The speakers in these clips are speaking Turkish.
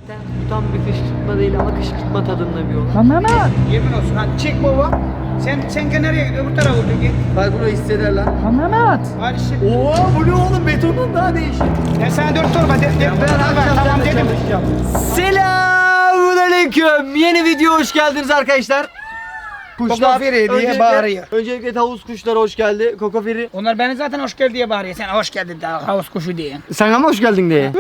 Gerçekten bu tam bir kışkırtma değil ama kışkırtma tadında bir olay. Lan Mehmet. Yemin olsun hadi çek baba. Sen nereye gidiyorsun? Öbür tarafa vurdun git. Bak bunu hisseder lan. Lan Mehmet. Hadi işte. Oo bu ne oğlum, betonun daha değişik. Ben sana 4 torba tamam dedim. Selamünaleyküm. Yeni video hoş geldiniz arkadaşlar. Kokoferi diye bağırıyor. Öncelikle tavus kuşları hoş geldi. Kokoferi. Onlar beni zaten hoş geldin diye bağırıyor. Sen hoş geldin daha havuz kuşu diye. Sen ama hoş geldin diye.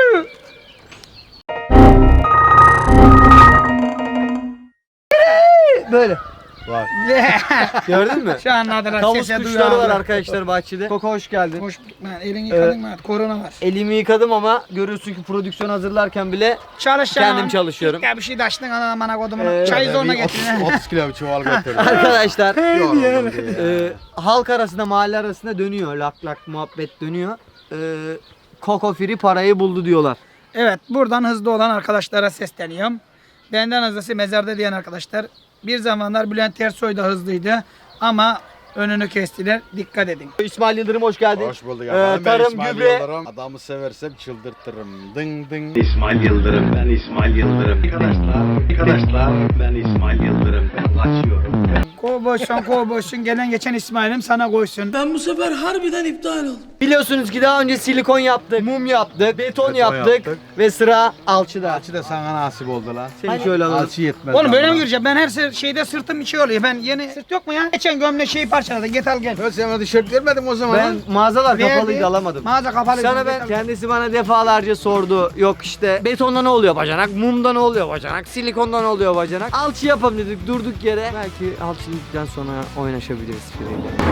Böyle. Var. Gördün mü? Şu anladılar. Tavus Sese kuşları duyarlar. var arkadaşlar bahçede. Koko hoş geldin. Hoş bulduk lan. Elini yıkadın mı? Korona var. Elimi yıkadım ama görüyorsun ki prodüksiyon hazırlarken bile Çalışacağım. kendim çalışıyorum. Ya bir şey de açtın ana kodumunu. Çayı zorla getirin. 30 kilo bir çuval getirdim. Arkadaşlar Yoruldum diye. halk arasında, mahalle arasında dönüyor. Lak lak muhabbet dönüyor. Koko Free parayı buldu diyorlar. Evet, buradan hızlı olan arkadaşlara sesleniyorum. Benden hızlısı mezarda diyen arkadaşlar. Bir zamanlar Bülent Ersoy da hızlıydı ama önünü kestiler. Dikkat edin. İsmail Yıldırım hoş geldin. Hoş bulduk efendim. tarım, İsmail gübre- Yıldırım. Adamı seversem çıldırtırım. Ding ding. İsmail Yıldırım, ben İsmail Yıldırım. Arkadaşlar, ben İsmail Yıldırım. Ben kaçıyorum. Kovboysun, gelen geçen İsmail'im sana koysun. Biliyorsunuz ki daha önce silikon yaptık, mum yaptık, beton yaptık yaptık. ve sıra alçıda. Alçı da sana nasip oldu lan. Seni şöyle alalım. Alçı yetmez. Oğlum böyle lan mi bana. gireceğim? Ben her şeyde sırtım içi oluyor. Ben yeni sırt yok mu ya? Geçen gömle şeyi parçaladı. Git al gel. Ben sana tişört vermedim o zaman. Ben mağazalar Verdi. kapalıydı, alamadım. Mağaza kapalı. Sana ben kendisi bana defalarca sordu. Yok işte betonda ne oluyor bacanak, mumda ne oluyor bacanak, silikonda ne oluyor bacanak. Alçı yapalım dedik durduk yere. Belki alçılıktan sonra oynaşabiliriz biriyle.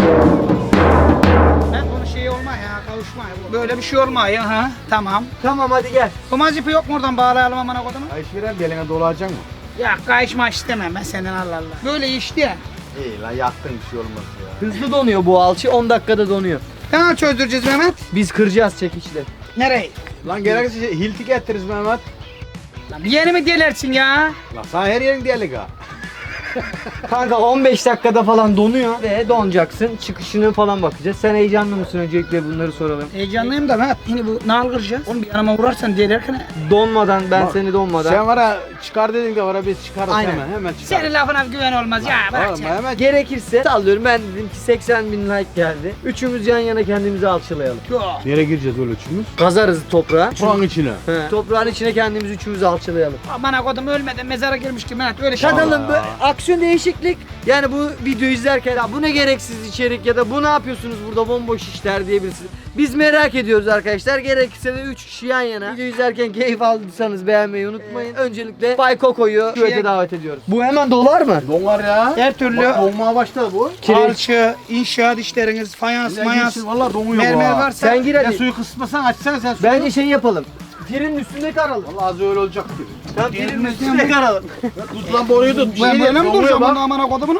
Ben bunu şey olma ya, kavuşma ya. Böyle bir şey olma ya ha. Tamam. Tamam hadi gel. Kumaz ipi yok mu oradan bağlayalım amına kodumu? Ayış veren bir eline dolacak mı? Ya kayışma istemem ben senden Allah Allah. Böyle işte ya. İyi lan yaktın bir şey olmaz ya. Hızlı donuyor bu alçı, 10 dakikada donuyor. Tamam çözdüreceğiz Mehmet. Biz kıracağız çekiçle. Nereye? Lan gerekirse hilti getiririz Mehmet. Lan bir yeni mi delersin ya? Lan sana her yerin diyelik ha. Kanka 15 dakikada falan donuyor ve donacaksın. Çıkışını falan bakacağız. Sen heyecanlı mısın, öncelikle bunları soralım. Heyecanlıyım da Mehmet. Yine bu nal kıracağız. Oğlum bir yanıma vurarsan delerken. Donmadan, ben Bak, seni donmadan. Sen var ya çıkar dedin de var ya biz çıkarız Aynen. hemen çıkar. Senin lafına güven olmaz ya. Bırak Oğlum sen. hemen Gerekirse sallıyorum, ben dedim ki 80.000 like geldi. Üçümüz yan yana kendimizi alçılayalım. Yok. nereye gireceğiz öyle üçümüz? Kazarız toprağa. Toprağın içine. He. Toprağın içine kendimiz üçümüz alçılayalım. Amına kodum ölmeden mezara girmiş ki Mehmet öyle şey. Kadalım bu aksiyon, değişiklik. Yani bu videoyu izlerken ya bu ne gereksiz içerik ya da bu ne yapıyorsunuz burada bomboş işler diyebilirsiniz. Biz merak ediyoruz arkadaşlar. Gerekirse de 3 kişi yan yana. Video izlerken keyif aldıysanız beğenmeyi unutmayın. Öncelikle Bay Koko'yu küvete davet ediyoruz. Bu hemen dolar mı? Donar ya. Her türlü Bak donmaya başladı bu. alçı, inşaat işleriniz, fayans, mayans, Valla donuyor mermer bu ha. varsa Sen gir Ya hadi. suyu kısmasan açsana sen suyu. Bence şey yapalım. Firinin üstünde karalım. Valla az öyle olacak gibi. Tam firinin üstünde karalım. Tut lan boruyu tut. ben böyle mi Donuyor duracağım bak. bunu amına kodumunu?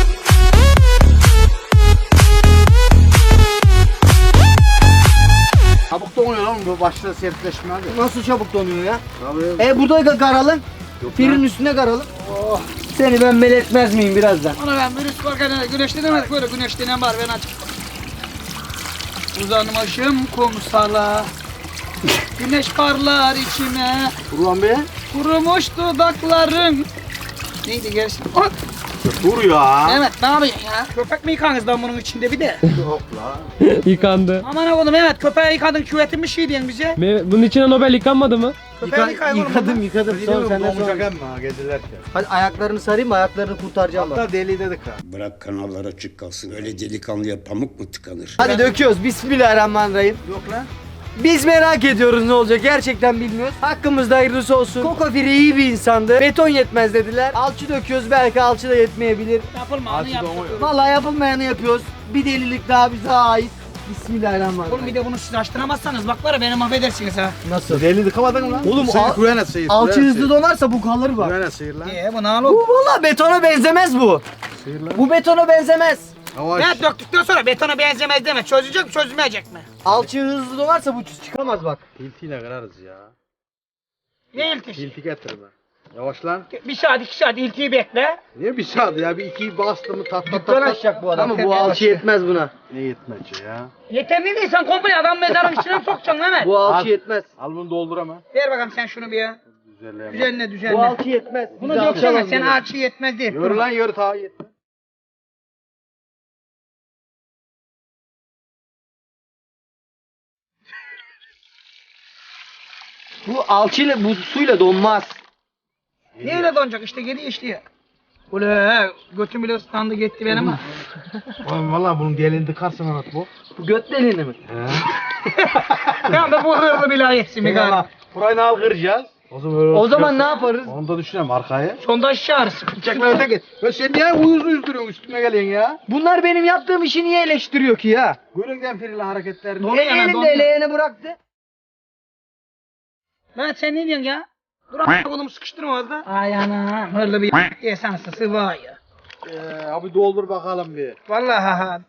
Çabuk donuyor lan bu başta sertleşme hadi. Nasıl çabuk donuyor ya? Tabii. Burada karalım. Firinin üstünde karalım. Seni ben belirtmez miyim birazdan? Ona ben virüs varken güneşlenemedik böyle güneşlenen var ben açık. Uzanmışım kumsala. Güneş parlar içime. Ulan be. Kurumuş dudakların. Neydi gerisi? Oh! Dur ya. Mehmet ne yapıyorsun ya? Köpek mi yıkanız lan bunun içinde bir de? Yok la. Yıkandı. Aman oğlum Mehmet köpeği yıkadın küvetin bir şey diyorsun bize. Bunun içine Nobel yıkanmadı mı? Köpeği yıkayın oğlum. Yıkadım yıkadım. Sonra senden sonra. Donacak emmi gezilirken. Hadi ayaklarını sarayım mı? Ayaklarını kurtaracağım bak. Hatta deli dedik ha. Bırak kanallar açık kalsın. Öyle delikanlıya pamuk mu tıkanır? Hadi döküyoruz. Bismillahirrahmanirrahim. Yok lan. Biz merak ediyoruz ne olacak. Gerçekten bilmiyoruz. Hakkımızda hayırlısı olsun. Koko Free iyi bir insandı. Beton yetmez dediler. Alçı döküyoruz. Belki alçı da yetmeyebilir. Yapılma onu Alçı yaptık. donuyor. Vallahi yapılmayanı yapıyoruz. Bir delilik daha bize ait. Bismillahirrahmanirrahim. Oğlum bir de bunu siz açtıramazsanız bak var ya beni mahvedersiniz ha. Nasıl? Deli dıkamadın lan. Oğlum, Sıyır, al- kuyana sıyır. Alçı kuyana hızlı sıyır. donarsa bu kalır bak. Kuyana sıyır lan. Bu ne Bu oğlum? valla betona benzemez bu. Sıyır lan. Bu betona benzemez. Yavaş. Evet döktükten sonra betona benzemez deme. Çözecek mi çözmeyecek mi? Alçı hızlı donarsa bu çıkamaz bak. Hiltiyle kırarız ya. Ne ilk iş? Hilti getirme. Yavaş lan. Bir saat 2 saat iltiyi bekle. Niye bir saat ya? Bir ikiyi bastı mı tat tat tat. Dükkan tat. açacak bu adam. Ama bu Tabii, alçı başlıyor. yetmez buna. Ne yetmece ya? Yeterli değil sen komple adam mezarın içine mi sokacaksın Mehmet? Bu alçı Al. yetmez. Al bunu doldur ama. Ver bakalım sen şunu bir ya. Düzenleyemem. Düzenle Bu düzenle. alçı yetmez. Bunu Bize döksene alçalamaz sen bunu. alçı yetmez değil. Yürü lan yürü ta yetmez. Bu alçıyla bu suyla donmaz. Niye öyle donacak işte geri işliyor. Ule götüm bile ıslandı gitti benim ha. Oğlum valla bunun diğerini tıkarsın Mehmet bu. Bu göt deliğini mi? Ya da bu hırlı bile yetsin bir galiba. Burayı al kıracağız. O zaman öyle O zaman ne olacak. yaparız? Onu da düşünelim arkaya. Sondaj çağırız. Çekme öte git. Ya sen niye uyuz duruyorsun üstüme geliyorsun ya? Bunlar benim yaptığım işi niye eleştiriyor ki ya? Göründen firili hareketlerini. Doğru yana, Elinde doğru. eleğini bıraktı. Ben sen ne diyorsun ya? Dur a**a oğlum sıkıştırma orada. Ay anam hırlı bir esansı var ya. Abi doldur bakalım bir. Vallahi ha.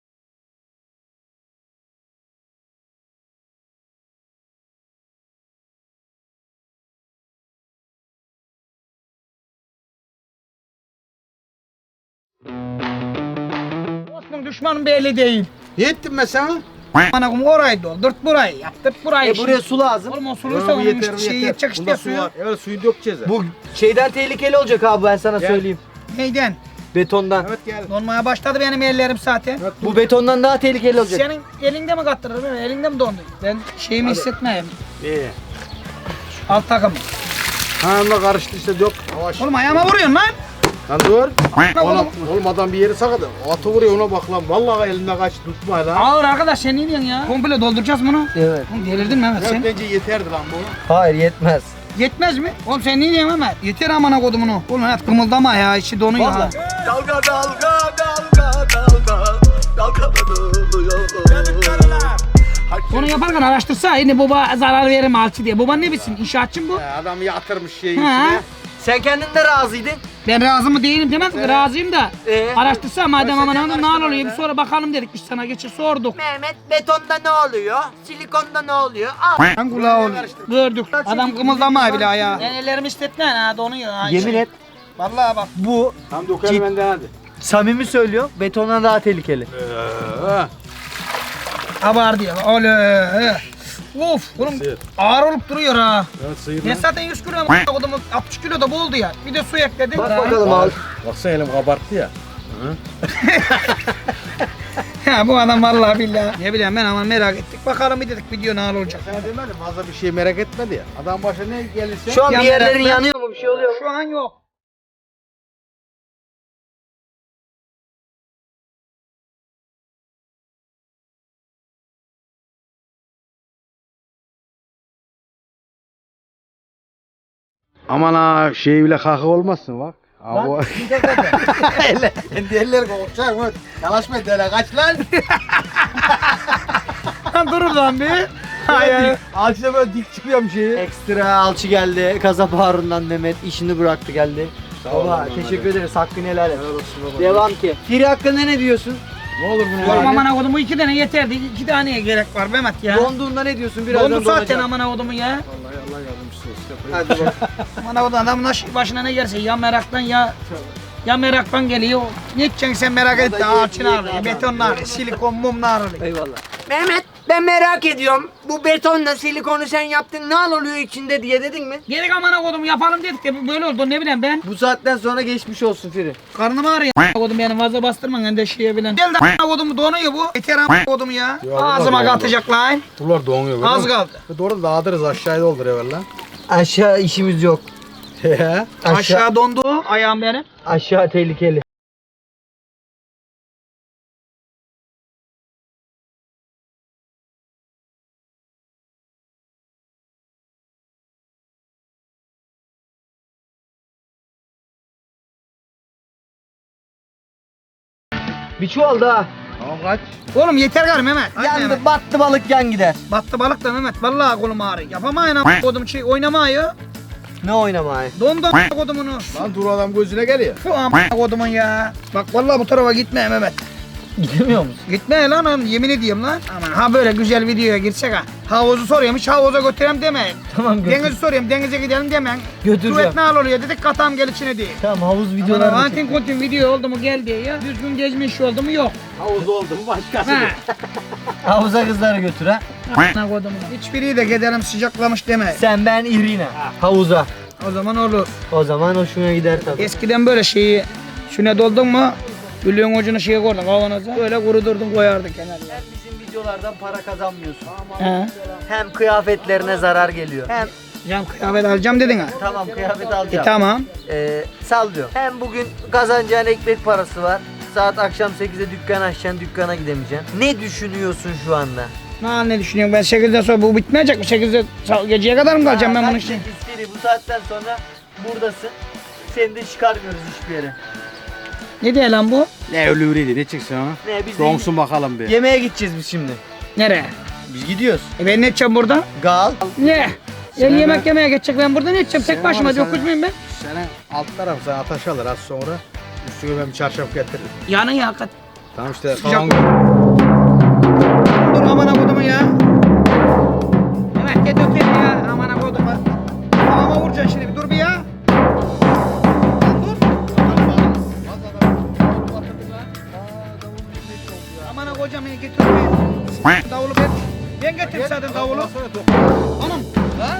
Dostum düşmanım belli değil. Ne ettin ben sana? Bana kum orayı doldur burayı yaptırt burayı. Buraya su lazım. Oğlum o sulursa onun işte şeyi yetecek işte suyu. Evet suyu dökeceğiz. ha. Bu şeyden tehlikeli olacak abi ben sana Gel. söyleyeyim. Neyden? Betondan. Evet gel. Donmaya başladı benim ellerim zaten. Bu betondan daha tehlikeli olacak. Senin elinde mi kattırır benim elinde mi dondu? Ben şeyimi hissetmeyeyim. İyi. Alt takımı. Ha onunla karıştı işte dök. Yavaş. Oğlum ayağıma vuruyorsun lan. Lan dur. Ona, Oğlum. oğlum adam bir yeri sakadı. Atı vuruyor ona bak lan. Vallahi elinde kaç tutma lan. Ağır arkadaş sen ne diyorsun ya? Komple dolduracağız bunu. Evet. Oğlum delirdin mi Mehmet Evet, sen? bence yeterdi lan bu. Hayır yetmez. Yetmez mi? Oğlum sen ne diyorsun Mehmet? Yeter amına kodumunu. Oğlum Mehmet kımıldama ya içi donuyor ha. Onu yaparken araştırsa yine baba zarar verir mi alçı diye. Baban ne bilsin? İnşaatçı mı bu? Adam yatırmış şeyin Ha? içine. Sen kendin de razıydın. Ben razı mı değilim demez mi? Razıyım da. Araştırsa Araştırsa madem aman hanım ne oluyor bir sonra bakalım dedik biz sana geçir sorduk. Mehmet betonda ne oluyor? Silikonda ne oluyor? Al. Ben kulağı oluyor. Gördük. Adam kımıldama bile ya. Ben ellerimi hissetmeyin ha donuyor ha. Yemin et Vallahi bak. bu Tam dökelim benden hadi. samimi söylüyor betondan daha tehlikeli. Abardı ya. Öyle. Of oğlum Sıyır. ağır olup duruyor ha. Evet sıyır Ben lan. zaten 100 kilo ama adamı 60 kilo da boldu ya. Bir de su ekledim. Bak bakalım abi. Baksana elim kabarttı ya. Ya bu adam vallahi billahi. Ne bileyim ben ama merak ettik. Bakalım bir dedik video ne olacak. Sana demedim fazla bir şey merak etmedi ya. Adam başına ne gelirse. Şu an bir Ya yerlerin merak- yanıyor mu bir şey oluyor mu? Şu an yok. Aman ha şey bile kaka olmasın bak. Abi o... Kendi eller korkacak mı? Yalaşma dele kaç lan. Lan durur lan bir. Hayır. Ağaçta böyle dik çıkıyorum şeyi. Ekstra alçı geldi. Kasap Harun'dan Mehmet işini bıraktı geldi. ol Baba lan, teşekkür hadi. ederiz. Hakkını helal et. Helal olsun baba. Devam ki. Firi hakkında ne diyorsun? Ne olur bunu Oğlum yani. amına kodum bu 2 tane yeterdi. 2 taneye gerek var Mehmet ya. Donduğunda ne diyorsun? Birazdan Dondu zaten donacak. amına kodumu ya. Vallahi Allah yardımcısı olsun. Hadi bak. Amına kodum adamın başına ne gelirse ya meraktan ya meraktan geliyor. Ne edeceksin sen merak et de ağaçını arıyor, betonla arıyor, silikon mumla arıyor. Eyvallah. Mehmet ben merak ediyorum. Bu betonla silikonu sen yaptın ne oluyor içinde diye dedin mi? Gerek amına kodum yapalım dedik de böyle oldu ne bileyim ben. Bu saatten sonra geçmiş olsun Firi. Karnım ağrıyor amına kodum benim fazla bastırma ben de şeye bilen. Gel de amına kodum donuyor bu. Yeter amına kodum ya. Ya, Ağzıma Allah katacak lan. Buralar donuyor. Az kaldı. Doğru dağıtırız aşağıya doldur evvel lan. Aşağı işimiz yok. He. Aşağı dondu ayağım benim. Aşağı tehlikeli. Bir çuval daha. Tamam kaç. Oğlum yeter gari Mehmet. Hadi Yandı Mehmet. battı balık yan gider. Battı balık da Mehmet. Vallahi kolum ağrıyor. Yapamayın amına kodum şey oynamayı. Ne oynamayı? Dondu amına kodumunu. Lan dur adam gözüne geliyor. Şu amına kodumun ya. Bak vallahi bu tarafa gitme Mehmet. Gidemiyor musun? Gitme lan oğlum, yemin ediyorum lan. Aman ha böyle güzel videoya girsek ha. Havuzu soruyorum, hiç havuza götüreyim demeyin. Tamam, götür. Denizi soruyorum, denize gidelim demeyin. Götüreceğim. Kuvvet ne oluyor dedik, katam gel içine diye. Tamam, havuz Ama videoları antin kontin video oldu mu geldi ya. Düzgün gezmiş oldu mu yok. Havuz oldu mu başkası. Ha. Havuza kızları götür ha. Ne koydum. Hiçbiri de gidelim sıcaklamış deme. Sen, ben, İrina. Havuza. O zaman olur. O zaman hoşuna gider tabii. Eskiden böyle şeyi şuna doldun mu gülüğün ucunu şeye koydun kavanoza. Böyle kurudurdun koyardın kenarına. Sen bizim videolardan para kazanmıyorsun. He. Hem kıyafetlerine zarar geliyor. Hem Can kıyafet alacağım dedin ha. tamam kıyafet alacağım. Tamam. Sallıyor. Hem bugün kazanacağın ekmek parası var. Saat akşam 8'de dükkan açacaksın, dükkana gidemeyeceksin. Ne düşünüyorsun şu anda? Ne düşünüyorsun ben 8'den sonra bu bitmeyecek mi? 8'de geceye kadar mı kalacağım ben bunun için? Seri, bu saatten sonra buradasın. Seni de çıkarmıyoruz hiçbir yere. Ne diyor lan bu? Ne ölüvriydi ne çıksın ha? Ne biz de Donsun bakalım bir. yemeğe gideceğiz biz şimdi. Nereye? Biz gidiyoruz. Ben ne edeceğim burada? Gal. Ne? Ya yemek yemeye geçecek ben burada ne edeceğim? Tek Sen başıma var ya, dokuz muyum ben? Senin alt tarafı sana ateş alır az sonra. Üstüne ben bir çarşaf getiririm. Yanın ya hakikaten. Tamam işte Sıcak kalan Dur aman akodumu ya. Evet git öpeyim ya aman akodumu. Kafama vuracaksın şimdi bir dur bir ya. Dur. Aman akocam beni getir bir. Davulu ben getireyim zaten davulu. Anam. Ha?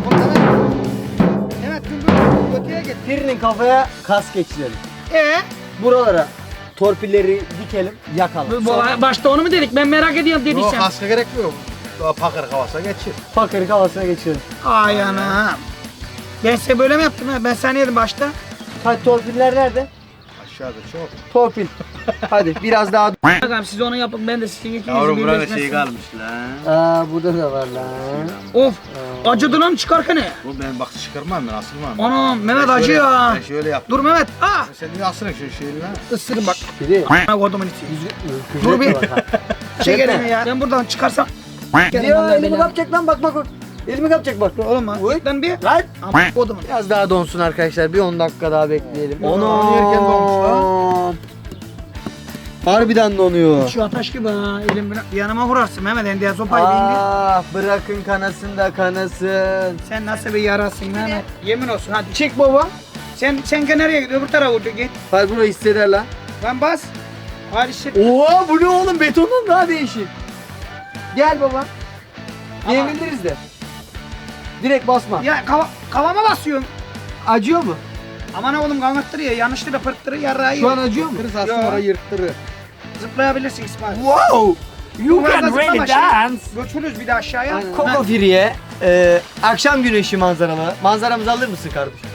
Evet dur öteye git. Birinin kafaya kas geçirelim. Ee? Buralara torpilleri dikelim, yakalım. Başta onu mu dedik? Ben merak ediyorum Yok dediysen. kaska gerek yok. Daha pakır havasına geçir. Fakir kafasına geçirelim. Ay anam. Ben size böyle mi yaptım ha? Ben sana yedim başta. Hadi torpiller nerede? Aşağıda çok. Torpil. Hadi biraz daha. Bakalım siz onu yapın ben de sizin ikinizi birleşmezsin. kalmış lan. Aa, burada da var lan. Of. Acıdı lan çıkarken ne? Bu ben bak çıkarmam ben asılmam. Anam Mehmet acıyor ha. Ben şöyle yap. Dur Mehmet. Ah. Sen niye asılın şu şeyini lan? Isırın bak. Biri. Ben kodumun içi. Dur bir. Çek elimi ya. Ben buradan çıkarsam. Ya elimi kapacak lan, bak bak bak. Elimi kapacak bak. Oğlum ha. Git lan bir. Lan. Ama kodumun. Biraz daha donsun arkadaşlar. Bir 10 dakika daha bekleyelim. Onu yerken donmuş Harbiden donuyor. Şu ateş gibi ha. Elim yanıma vurarsın Mehmet. Endiye sopayı bir indir. Ah, bırakın kanasın da kanasın. Sen nasıl bir yarasın Mehmet. Yemin olsun hadi. Çık baba. Sen nereye gidiyorsun? Öbür tarafa vur git. Hadi burayı hisseder lan. Lan bas. Hadi shit. Oha, bu ne oğlum, betondan daha değişik. Gel baba. Diyebiliriz de. Direkt basma. Ya kavama basıyorsun. Acıyor mu? Aman oğlum kanıttırıyor. Yanlışlıkla pırttırıyor. Yarrağı Şu an acıyor mu? Kırız aslında orayı yırttırır. Zıplayabilirsin İsmail. Wow. You Biraz can da really zıplama, dance. Götürürüz bir de aşağıya. Koko Firi'ye akşam güneşi manzaralı. Manzaramızı alır mısın kardeşim?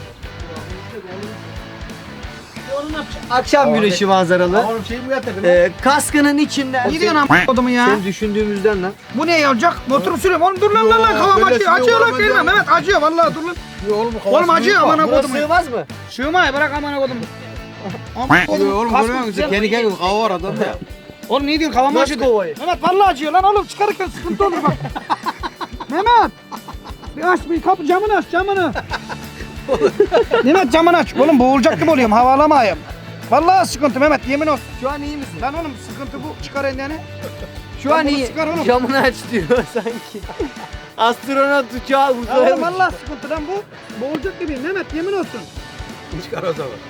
Onu ne yapacaksın? Akşam güneşi manzaralı. Oğlum şey mi getirdin? Kaskının içinden. Ne diyorsun am kodumu ya? Senin düşündüğümüzden lan. Bu ne olacak? Motoru sürüyorum. Oğlum dur lan lan lan. Kavam böyle acıyor. Acıyor sürüyor, lan olmaz kelime. ya. Mehmet acıyor vallahi dur lan. Oğlum Oğlum acıyor aman Burası kodumu. sığmaz mı? Sığmay bırak aman kodumu. Aman kodumu. Oğlum kask görüyor musun? güzel. Kendi kendine kava var adamda. Oğlum ne diyorsun? Kavam Nasıl acıyor. kovayı? Mehmet vallahi acıyor lan oğlum. Çıkarırken sıkıntı olur bak. Mehmet. Bir aç bir kapı camını aç camını. Mehmet camını aç. Oğlum boğulacak gibi oluyorum. Hava alamayayım. Vallahi sıkıntı Mehmet yemin olsun. Şu an iyi misin? Lan oğlum sıkıntı bu. Çıkar elini. Şu an bunu iyi. çıkar oğlum. Camını aç diyor sanki. Astronot uçağı Ya uzaya oğlum uçuyor. vallahi sıkıntı lan bu. Boğulacak gibiyim Mehmet yemin olsun. Çıkar o zaman.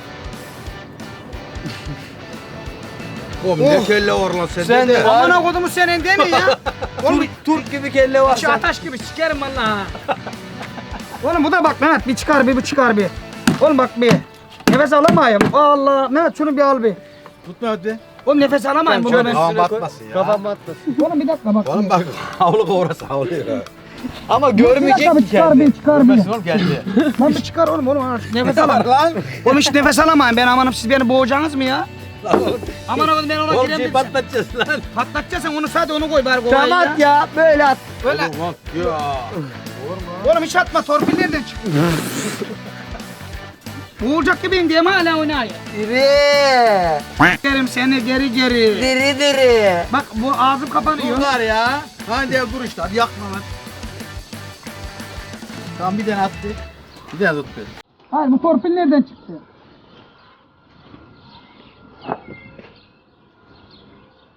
Oğlum ne kelle var lan Sen sende de de. var. Amına kodumu senin değil mi ya? Oğlum Turp gibi kelle var. içi ataş gibi sikerim vallahi. Oğlum bu da bak Mehmet bir çıkar bir çıkar bir. Oğlum bak bir. Nefes alamayayım. Allah Mehmet şunu bir al bir. Tutma hadi. Oğlum nefes alamayayım burada ben. Kafam batmasın ya. Kafam batmasın. Oğlum bir dakika bak. Oğlum bak havlu kovrası havlu ya. Ama Bir dakika görmeyecek bir mi çıkar kendi? bir çıkar bir. Görmesin oğlum geldi. Lan bir çıkar oğlum nefes Ne var alamam. lan? Oğlum hiç nefes alamayın ben amanım siz beni boğacaksınız mı ya? Aman oğlum ben ona Oğlum gireyim şey dedim. patlatacağız lan. Patlatacaksın onu sadece onu koy bari kovayı Tamam at ya, böyle at. Öyle. Oğlum bak ya. Oğlum hiç atma torpil nereden çıktı? Boğulacak gibiyim diye mi hala oynayayım? Diri. Gerim seni geri geri. Diri diri. Bak bu ağzım kapanıyor. Dur var ya. Hadi ya dur işte hadi yakma lan. Tamam bir tane attı. Bir tane tut beni. Hayır bu torpil nereden çıktı?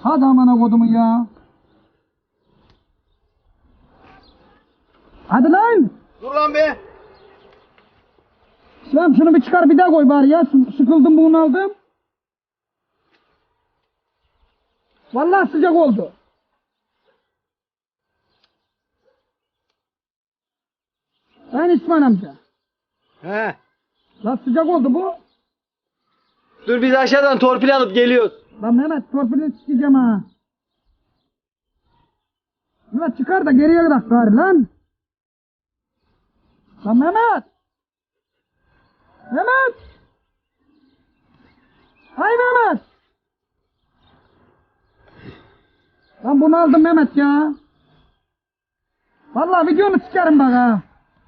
Hadi amına kodumun ya. Hadi lan. Dur lan be. İslam şunu bir çıkar bir daha koy bari ya. Sıkıldım bunu aldım. Vallahi sıcak oldu. Ben İsmail amca. He. Lan sıcak oldu bu. Dur biz aşağıdan torpil alıp geliyoruz. Lan Mehmet torpilini sikeceğim ha. Mehmet çıkar da geriye bırak bari lan. Lan Mehmet. Mehmet. Hay Mehmet. Lan bunu aldım Mehmet ya. Vallahi videonu sikerim bak ha.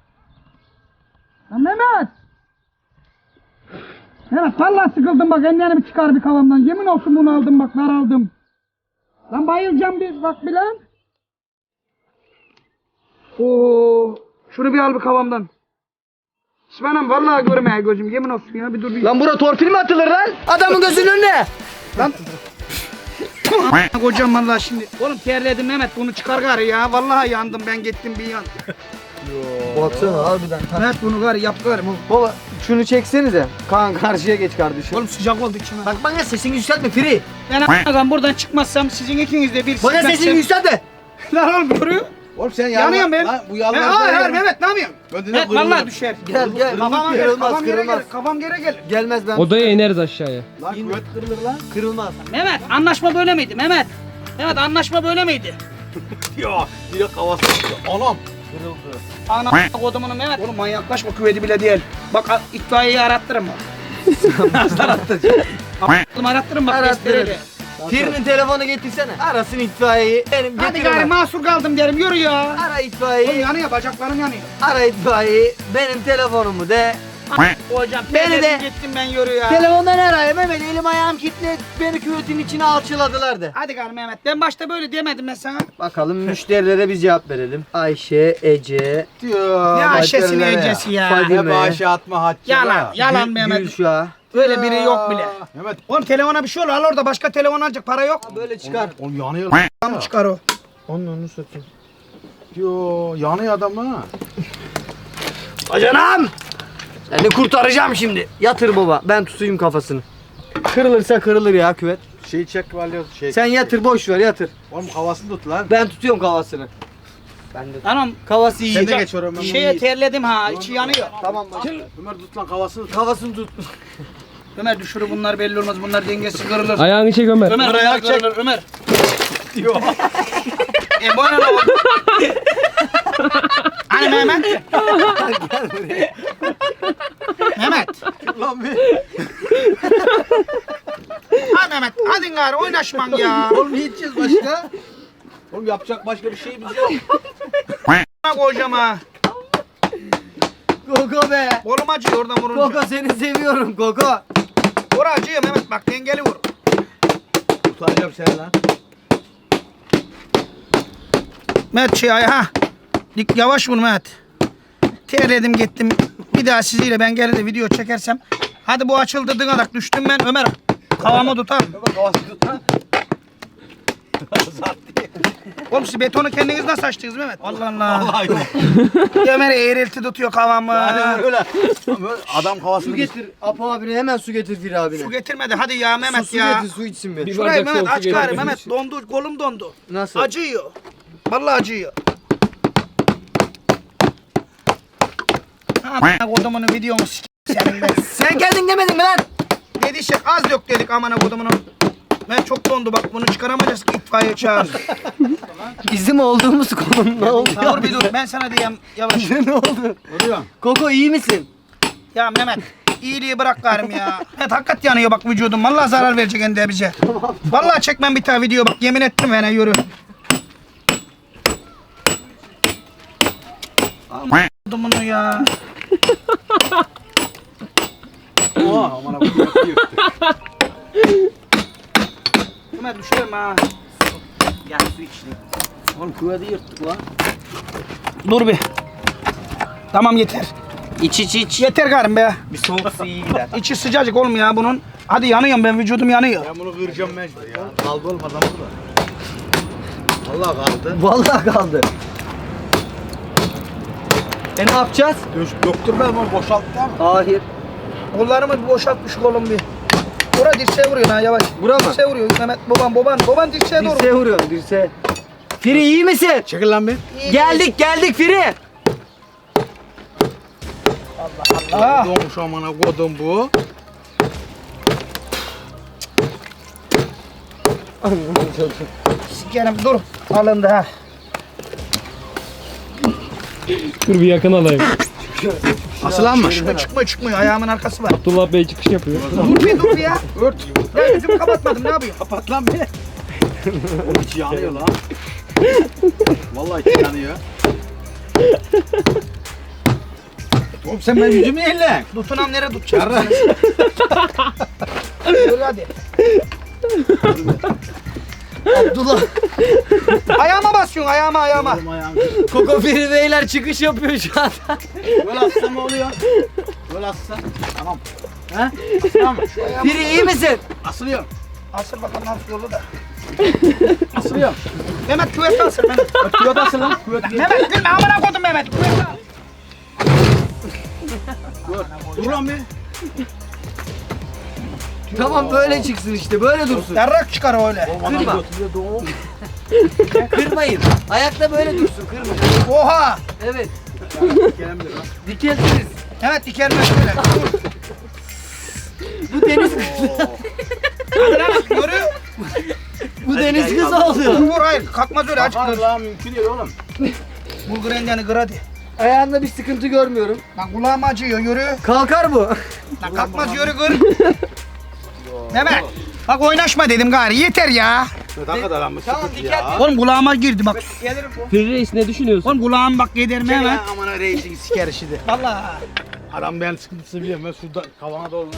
Lan Mehmet. Mehmet vallahi sıkıldım bak ellerini çıkar bir kavamdan. Yemin olsun bunu aldım bak nar aldım. Lan bayılacağım bir bak bir lan. Oo, şunu bir al bir kavamdan. İsmail'im vallahi görmeye gözüm yemin olsun ya bir dur bir. Lan bura torpil mi atılır lan? Adamın gözünün önüne. Lan. Kocam vallahi şimdi. Oğlum terledim Mehmet bunu çıkar gari ya. Vallahi yandım ben gittim bir yan. Baksana harbiden. Mehmet bunu gari yap gari. Baba şunu çeksenize. Kaan karşıya geç kardeşim. Oğlum sıcak oldu içime. Bak bana sesini yükseltme Firi. Ben buradan çıkmazsam sizin ikiniz de bir Bana sesini yükseltme. Lan oğlum görüyor. Oğlum sen Yanıyorum ben. Lan bu yalan. Hayır Mehmet ne yapıyorsun? Gönderiyor, Mehmet kırılır. vallahi düşer. Gel gel. Kafam geri Kırılmaz kafam geri kırılmaz. gelir. Kafam geri gelir. Gelmez ben. Odaya ineriz aşağıya. Lan kuvvet kırılır lan. Kırılmaz. Mehmet anlaşma böyle miydi Mehmet? Mehmet anlaşma böyle miydi? Ya direkt havası. Anam. Ana kodumunu Mehmet. Oğlum manyaklaşma küveti bile değil. Bak itfaiyeyi arattırın bak. Nasıl arattıracağım? Arattırın bak Arattırın. testereyle. Firi'nin telefonu getirsene. Arasın itfaiyeyi. Benim Hadi getiremem. gari mahsur kaldım derim yürü ya. Ara Oğlum itfaiyeyi. yanıyor bacaklarım yanıyor. Ara itfaiyeyi. Benim telefonumu de. Hocam Beni de- gittim ben yürü ya. Telefondan arayayım Mehmet. Elim ayağım kilitli. Beni küvetin içine alçıladılar de. Hadi gari Mehmet ben başta böyle demedim ben sana. Bakalım müşterilere biz cevap verelim. Ayşe, Ece, Diyor. Ne Ayşe'si ne başkalarına ya. Ece'si ya. Fadime. Ne bağışı atma Hatice. Yalan yalan Mehmet. Gülşah. Öyle biri yok bile. Mehmet. Oğlum telefona bir şey olur al orada başka telefon alacak para yok. Böyle çıkar. Oğlum yanıyor. Tamam çıkar o. Onu satayım. Diyor. Yanıyor adam ha. Acanam! Seni kurtaracağım şimdi. Yatır baba. Ben tutayım kafasını. Kırılırsa kırılır ya küvet. Şey çek valyoz şey. Sen yatır boş ver yatır. Oğlum havasını tut lan. Ben tutuyorum kafasını. Ben de. Tamam. Kafası iyi. Sen de geç oraya. Şeye terledim ha içi yanıyor. Tamam bak. Ömer tut lan havasını tut. Kafasını tut. Ömer düşürü bunlar belli olmaz bunlar dengesiz kırılır. Ayağını çek Ömer. Ömer Ömer, bunlar ayak çek. kırılır Ömer. Bu ne lan? Hani Mehmet? Mehmet. Lan be. Ha Mehmet hadi gari oynaşman ya. Oğlum ne edeceğiz başka? Oğlum yapacak başka bir şeyimiz yok. Bak hocam ha. Koko be. Kolum acıyor oradan vurunca. Koko seni seviyorum Koko. Vur acıyor Mehmet bak dengeli vur. Tutacağım seni lan. Mehmet şey ha. Dik yavaş vur Mehmet. Terledim gittim. Bir daha siziyle ben gelir de video çekersem. Hadi bu açıldı dıgadak düştüm ben Ömer. Kavamı tutar. Bak havasını tut lan. Oğlum siz betonu kendiniz nasıl açtınız Mehmet? Allah Allah. Vallahi yok. Ömer eğrilti tutuyor kavamı. Yani öyle. Adam havasını Su getir. Apo abine hemen su getir Firi abine. Su getirmedi hadi ya Mehmet su ya. getir su içsin bir. Bir Şurayı bardak Mehmet soğuk aç su gari getir. Mehmet dondu kolum dondu. Nasıl? Acıyor. Vallahi acıyor. Ha kodumunun videomu senin ben. Sen kendin demedin mi lan? Dediysek az dök dedik amına kodumunun. Ben çok dondu bak bunu çıkaramayacağız itfaiye çağır. Bizim olduğumuz konu ne oldu? Dur bir dur ben sana diyeyim yavaş. Ne oldu? Vuruyor. Koko iyi misin? Ya Mehmet iyiliği bırak garim ya. Mehmet hakikat yanıyor bak vücudum. Vallahi zarar verecek ende bize. Vallahi çekmem bir tane video bak yemin ettim bana yürü. Aman bunu ya. Oha aman abi. Mehmet düşerim ha. Ya su içtim. Oğlum kuvveti yırttık lan. Dur bir. Tamam yeter. İç. Yeter garim be. Bir soğuk su iyi gider. İçi sıcacık oğlum ya bunun. Hadi yanıyorum ben, vücudum yanıyor. Ben bunu kıracağım mecbur ya. Kaldı oğlum adam burada. Allah kaldı. Vallahi kaldı. Ne yapacağız? Döktürme bunu boşalttı ama. Hayır. Kollarımı bir boşaltmış oğlum bir. Bura dirseğe vuruyor ha yavaş. Bura mı? Dirseğe vuruyor Mehmet baban dirseğe doğru. Dirseğe vuruyorum dirseğe. Firi iyi misin? Çekil lan bir. Geldik Firi. Ah. Doğmuş amına kodum bu. Sikerim dur. Alındı ha. Dur bir yakın alayım. Asılanmış. Çıkmıyor ayağımın arkası var. Abdullah Bey çıkış yapıyor. Dur bir ya. Ört. Ben yüzümü kapatmadım ne yapayım? Kapat lan beni. İçi yanıyor lan. Vallahi içi yanıyor. Oğlum sen benim yüzümü elle. Tutunam nereye tutacağım? Yarra. Dur hadi. Abdullah. Ayağıma basıyorsun ayağıma. Oğlum ayağım. Koko Firi beyler çıkış yapıyor şu anda. Böyle atsam ne oluyor? Böyle atsam. Tamam. He? Aslan mı? Şu ayağım Firi iyi misin? asılıyor. Asıl bakalım nasıl yolu da. Asılıyor. Mehmet küvette asıl Mehmet. Küvet asıl lan. Küvet gel. Mehmet gülme amına koydum Mehmet. Küvette al. Dur lan bir. Tamam böyle çıksın işte böyle dursun. Yarrak çıkar öyle. Kırma. Kırmayın. Ayakta böyle dursun kırmayın. Oha. Evet. Gelemiyor lan. Dikelsiniz. Evet dikerme şöyle. Dur. Bu deniz Hadi lan yürü. bu deniz kızı oluyor. Vur hayır kalkmaz öyle açık Kalkar dur. lan mümkün değil oğlum. Bulgur endeni kır hadi. Ayağında bir sıkıntı görmüyorum. Lan kulağım acıyor yürü. Kalkar bu. Lan kalkmaz yürü kır. Mehmet. Bak oynaşma dedim gari yeter ya. Ne kadar lan bu Tamam, sıkıntı diker ya. Oğlum kulağıma girdi bak. Firi Reis ne düşünüyorsun? Oğlum kulağım bak gider Çekil Mehmet. lan amına reisin siker işidi. Vallahi. Adam ben sıkıntısı biliyorum. Ben şurada kavana doğru.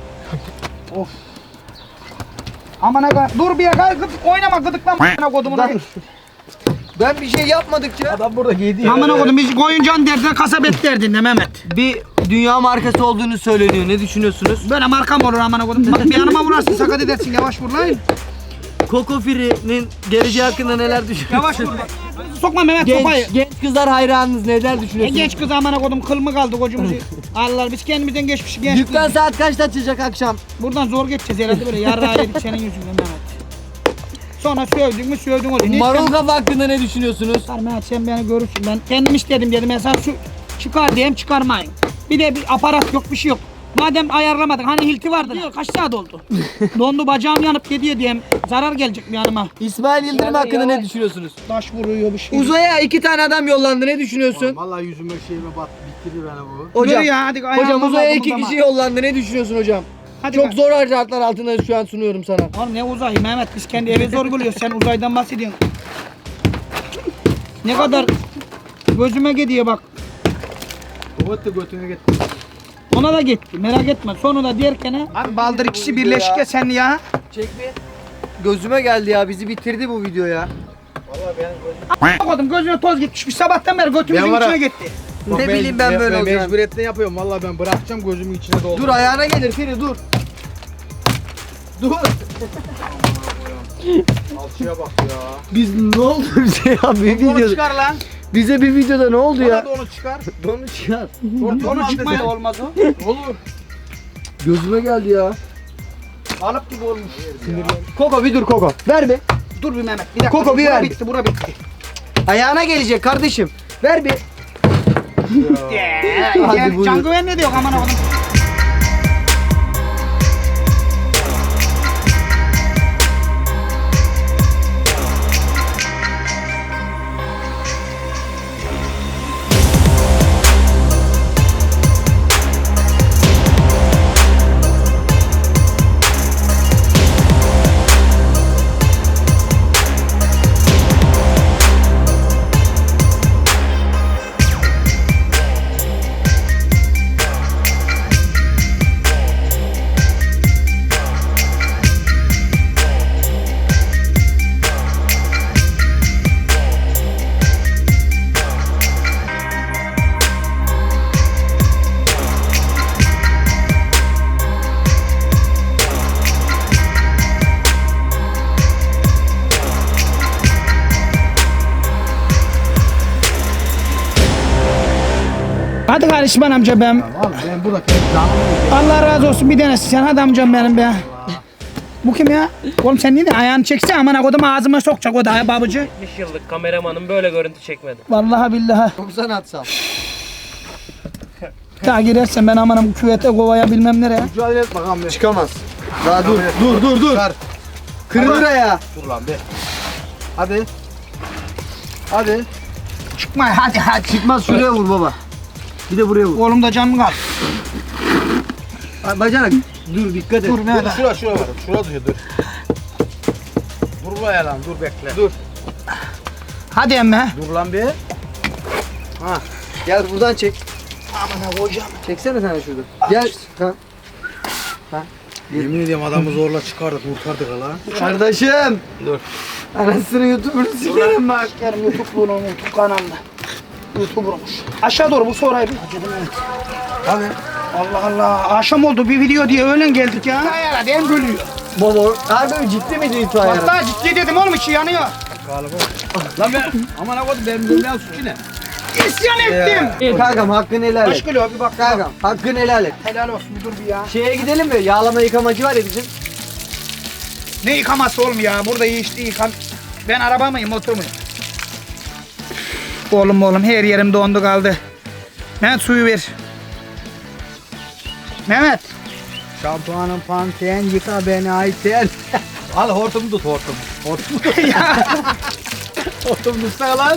Aman aga dur bir ya oynama gıdıklama amına kodumun. Ben bir şey yapmadıkça Adam burada giydi ya. Amına kodum biz koyuncan derdine kasabet derdinde Mehmet. bir dünya markası olduğunu söyleniyor. Ne düşünüyorsunuz? Böyle markam olur amına kodum. Bak bir yanıma vurarsın sakat edersin yavaş vur lan. Koko Firi'nin geleceği hakkında neler düşünüyorsunuz? Yavaş vur. Sokma Mehmet sopayı. Genç kızlar hayranınız neler düşünüyorsunuz? Genç kız amına kodum kıl mı kaldı kocumuzu. Allah biz kendimizden geçmiş genç kız. Dükkan saat kaçta açacak akşam? Buradan zor geçeceğiz herhalde böyle yarrağı yedik senin yüzünden Mehmet. Sonra sövdün mü sövdün oluyor. Marul kafa hakkında ne düşünüyorsunuz? Mehmet sen beni görürsün ben kendim istedim dedim mesela şu çıkar diyeyim çıkarmayın. Bir de bir aparat yok bir şey yok. Madem ayarlamadın hani hilti vardı. Diyor, kaç saat oldu? Dondu bacağım yanıp gidiyor diyeyim. Zarar gelecek mi yanıma? İsmail Yıldırım hakkında ne düşünüyorsunuz? Taş vuruyor bir şey. Uzaya 2 tane adam yollandı ne düşünüyorsun? Vallahi yüzüme şeyime bat bitirdi beni bu. Hocam, Yürü ya, hadi hocam ayağıma uzaya kaldım 2 o kişi zaman. yollandı ne düşünüyorsun hocam? Hadi Çok bak. zor şartlar altında şu an sunuyorum sana. Oğlum ne uzayı Mehmet biz kendi eve zor buluyoruz sen uzaydan bahsediyorsun. Ne kadar gözüme gidiyor bak. Kuvat da götüne gitti. Ona da gitti merak etme sonunda derken ha. Abi baldır ikisi birleşik ya sen ya. Çek bir. Gözüme geldi ya bizi bitirdi bu video ya. Koydum gözüme toz gitmiş bir sabahtan beri götümüzün Ben var içine ha. gitti. Ne bileyim ben böyle olacağını. Mecburiyetten yapıyorum. Vallahi ben bırakacağım gözümün içine doldu. Dur ayağına gelir Firi dur. Dur. Alçıya bak ya. Biz ne oldu bize ya bir Onu videoda. çıkar lan. Bize bir videoda ne oldu Bana ya? da onu çıkar. Donu çıkar. Onu çıkmaya olmaz o. Olur. Gözüme geldi ya. Alıp gibi olmuş. Koko bir dur Koko. Ver bir. Dur bir Mehmet bir dakika. Koko, bir bura ver. bitti bura bitti. Ayağına gelecek kardeşim. Ver bir. Hadi Yani buyur. can güven ne diyor aman oğlum. Hadi karışman amca ben. Tamam ben burada tek canım. Allah razı olsun bir tanesi sen hadi amcam benim be. Bu kim ya? Oğlum sen niye de ayağını çekse aman kodum ağzıma sokacak o da ya babacı. 70 yıllık kameramanım böyle görüntü çekmedi. Vallahi billahi. Çok sanatsal. Daha girersen ben amanım küvete kovaya bilmem nereye. Mücadele et bakalım. Çıkamaz. Daha dur. Çıkar. Kırılır ayağı. Dur lan be. Hadi. Hadi. Çıkma hadi. Çıkmaz, şuraya vur baba. Bir de buraya vur. Oğlum da canım kal. Bacanak dur, dikkat et. Dur ne da. Şura var. Şura dur. Dur buraya lan dur bekle. Dur. Hadi emme. Dur lan be. Gel buradan çek. Aman hocam. Çeksene sen de şurada. Gel. Ha. Yemin ediyorum adamı zorla çıkardık kurtardık hala. Kardeşim. Dur. Anasını YouTuber'ı sikerim bak. Yarın YouTube bunu YouTube kanalında. YouTuber'muş. Aşağı doğru bu sorayı bir. Abi. Allah Allah. Akşam oldu bir video diye öğlen geldik ya. Herhalde en bölüyor. Baba. Abi ciddi miydi itfaiye? Vallahi ciddi dedim oğlum içi yanıyor. Lan ben aman ha koydum benim bilmem suçu ne? İsyan ettim. Kankam hakkını helal Kaç et. kilo bir bak. Kankam hakkını helal et. Helal olsun bir dur bir ya. Şeye gidelim mi? Yağlama yıkamacı var ya bizim. Ne yıkaması oğlum ya? Burada işte yıkan. Ben araba mıyım motor muyum? Oğlum her yerim dondu kaldı. Mehmet suyu ver. Mehmet. Şampuanın panten yıka beni Ayten. Al hortumu tut hortum. Hortumu tut. Hortumu tutsana lan.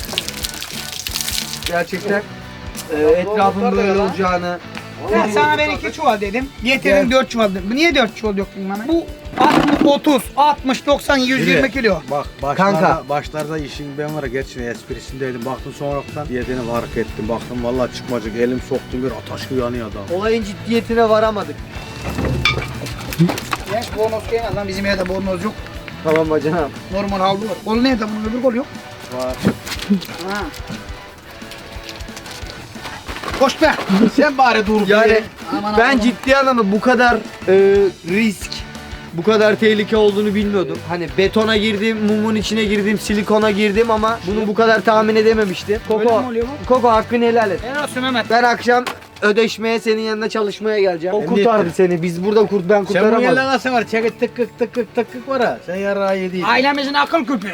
Gerçekten etrafın böyle olacağını. Ben sana ben 2 çuval dedim. Getirdin 4 çuval dedim. Bu niye 4 çuval döktün Mehmet? Bu 30, 60, 90, 120 kilo. Bak Kanka. başlarda işin ben var ya geçin esprisindeydim. Baktım sonradan diyetini fark ettim. Baktım vallahi çıkmacık elim soktum bir ataş gibi yanıyor adam. Olayın ciddiyetine varamadık. Genç bornoz gelmez lan bizim evde bornoz yok. Tamam bacanam. Normal havlu var. Kol nerede bunun öbür kol yok. Var. Ha. Koş be. Sen bari dur. Yani Aman ben aman. ciddi anlamda bu kadar risk, bu kadar tehlike olduğunu bilmiyordum. Hani betona girdim, mumun içine girdim, silikona girdim ama bunu bu kadar tahmin edememiştim. Öyle Koko, mi oluyor Koko hakkını helal et. Helal olsun Mehmet. Ben akşam ödeşmeye senin yanına çalışmaya geleceğim. O Emniyette. kurtardı seni. Biz burada ben Sen bu kurtaramadım. yerden nasıl var? Çekit tıkık var ha. Sen yarağı yediydin. Ailemizin akıl küpü.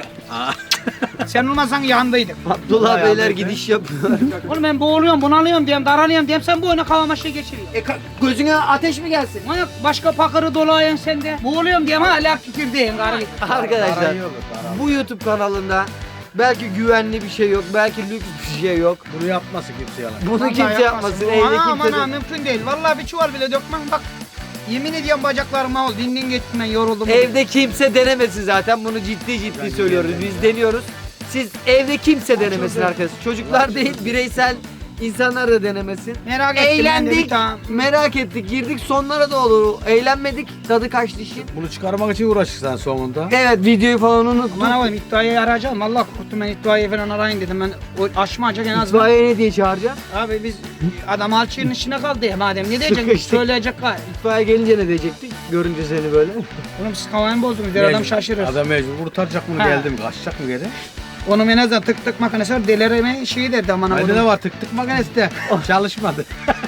Sen olmasan yanındaydım. Abdullah Bayağı beyler böyle. gidiş yapıyor. Oğlum ben boğuluyorum, bunalıyorum diyorum, daralıyorum diyorum. Sen bu oyuna kavama şey geçiriyorsun. Gözüne ateş mi gelsin? Manyak başka pakırı dolayan sende. Boğuluyorum diyorum hala fikirdeyim. Arkadaşlar Parayı yok, parayı. bu YouTube kanalında belki güvenli bir şey yok, belki lüks bir şey yok. Bunu yapmasın kimse yalan. Bunu kimse yapmasın, evde Aman kimse aman de... mümkün değil. Vallahi bir çuval bile dökmem bak. Yemin ediyorum bacaklarıma oldu. Dindin gittim ben yoruldum. Evde kimse denemesin zaten, bunu ciddi söylüyoruz, biz deniyoruz. Siz evde kimse denemesin arkadaşlar. Çocuklar değil, bireysel insanlar da denemesin. Merak ettim ben de bir Eğlendik, tane. merak ettik, girdik sonlara da olur. Eğlenmedik, tadı kaçtı işin. Bunu çıkarmak için uğraşırsan sonunda. Evet, videoyu falan unuttuk. Aman oğlum itfaiyeyi arayacağım. Allah korktum ben itfaiye falan arayın dedim. Ben o aşmayacak en azından. İtfaiye ne diye çağıracağım? Abi biz adam alçının içine kaldı ya madem. Ne diyecek? Sıkıştık. Söyleyecek gayet. İtfaiye gelince ne diyecektik? Görünce seni böyle. Oğlum siz kavayı bozdunuz. Der adam şaşırır. Adam mecbur kurtaracak bunu Ha. geldi mi? Kaçacak mı geri? Onun en azından tık tık makinesi var. Delireme şeyi derdi aman Bende oğlum. de var tık makinesi de çalışmadı.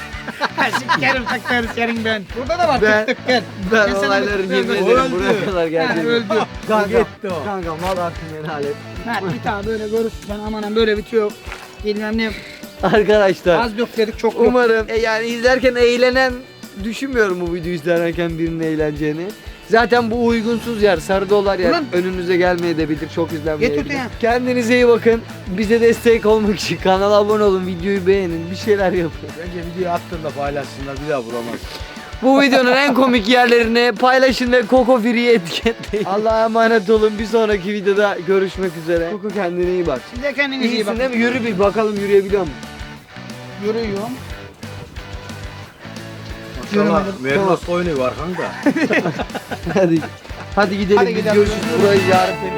Sikerim takları senin ben. Burada da var Ben- tık tık gel. Ben sana olayların bir- yemin Öldü. ederim buraya kadar Ha, geldi. öldü. Kanka, Gitti o. kanka mal hakkını helal et. Mert bir daha böyle görürsün aman böyle bitiyor. Bilmem ne. Arkadaşlar Az dök dedik çok yok. umarım yani izlerken eğlenen, düşünmüyorum bu videoyu izlerken birinin eğleneceğini. Zaten bu uygunsuz yer, sarı dolar yer. Ulan. Önünüze gelmeyebilir, çok izlenmeyebilir. Getir ya. Kendinize iyi bakın. Bize destek olmak için kanala abone olun, videoyu beğenin, bir şeyler yapın. Bence videoyu attığında paylaşsınlar bir daha bulamaz. Bu videonun en komik yerlerini paylaşın ve Koko Free'yi etiketleyin. Allah'a emanet olun. Bir sonraki videoda görüşmek üzere. Koko kendine iyi bak. Siz de kendinize iyi İyisin bakın. değil mi? Yürü bir bakalım, yürüyebiliyor musun? Yürüyorum. Maşallah Tamam. Merlos oynuyor arkanda. Hadi. Hadi gidelim. Hadi Biz gidelim. görüşürüz. Burayı yarın